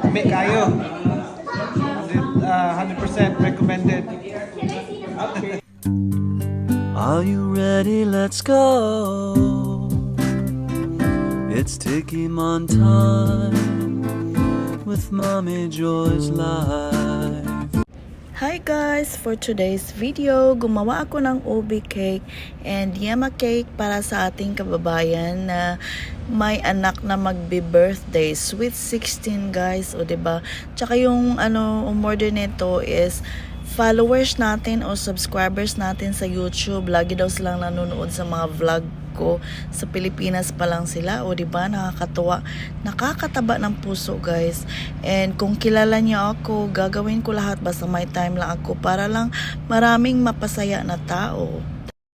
Umi kayo. 100% recommended. Are you ready? Let's go. It's Tiki Man time with Mommy Joy's Life. Hi guys! For today's video, gumawa ako ng ubi cake and yema cake para sa ating kababayan na may anak na magbe-birthday. Sweet 16 guys, o diba? Tsaka yung umorder nito is followers natin o subscribers natin sa YouTube. Lagi daw silang nanonood sa mga vlog ko. Sa Pilipinas pa lang sila, o diba? Nakakatuwa, nakakataba ng puso guys. And kung kilala niyo ako, gagawin ko lahat basta may time lang ako para lang maraming mapasaya na tao.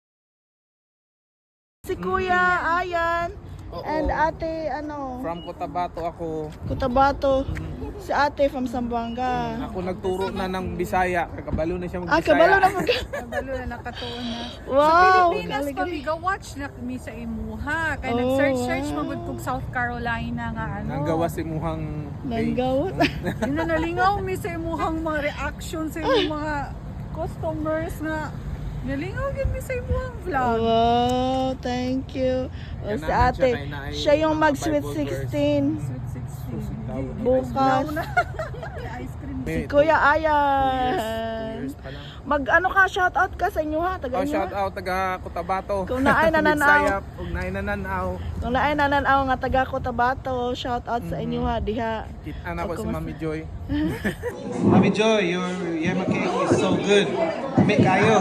Si Kuya Ayan and ate From Cotabato ako. Cotabato. Si ate from Zamboanga. Ako nagturo na ng Bisaya. Kabalo na siya mag-Bisaya. Kabalo na Kabalo na nakatuon na. Wow! Sa Pilipinas pa biga watch na kami sa imuha. Kaya nag-search magud kog South Carolina nga Nanggawa si muhang Nanggawat. Yun na nalingaw mi sa imuhang mga reaction sa imong mga customers nga nalingaw gid mi sa imuhang vlog. Wow, thank you. O, Yan si naman ate, siya, siya yung mga mag-sweet Bible verse. 16. Sweet 16. Bukas. Ice cream. Si Kuya Ayan. Years pa lang. Ka, shoutout ka sa inyo ha, taga Oh, inyo. shout out taga Cotabato. Kung naay nananaw. Bisaya, kung naay nananaw. Kung naay nananaw nga taga Cotabato, shoutout sa inyo ha, diha. Kita na ko si Mami Joy. Mami Joy, your yema cake is so good. Umi kayo.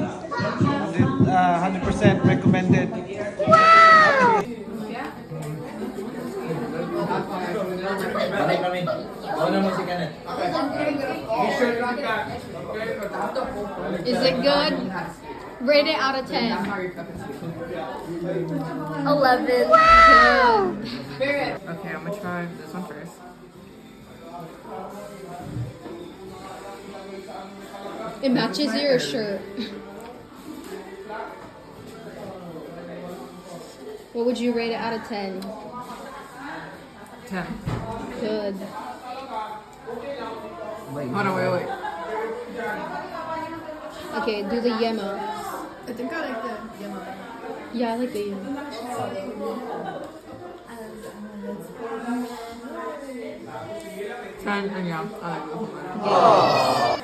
100% recommended. Is it good? Rate it out of 10. 11. Wow! Okay, I'm gonna try this one first. It matches your shirt. What would you rate it out of 10? 10. Good. Hold on, wait. Okay, do the yema. I think I like the yellow. Yeah, I like the yema. 10, and yeah, I like this one.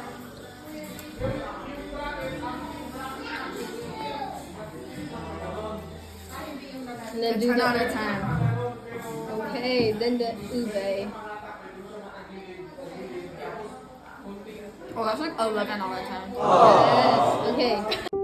And then do 10 out the of 10. Okay, then the ube. Oh, that's like 11 out of 10. Yes. Okay.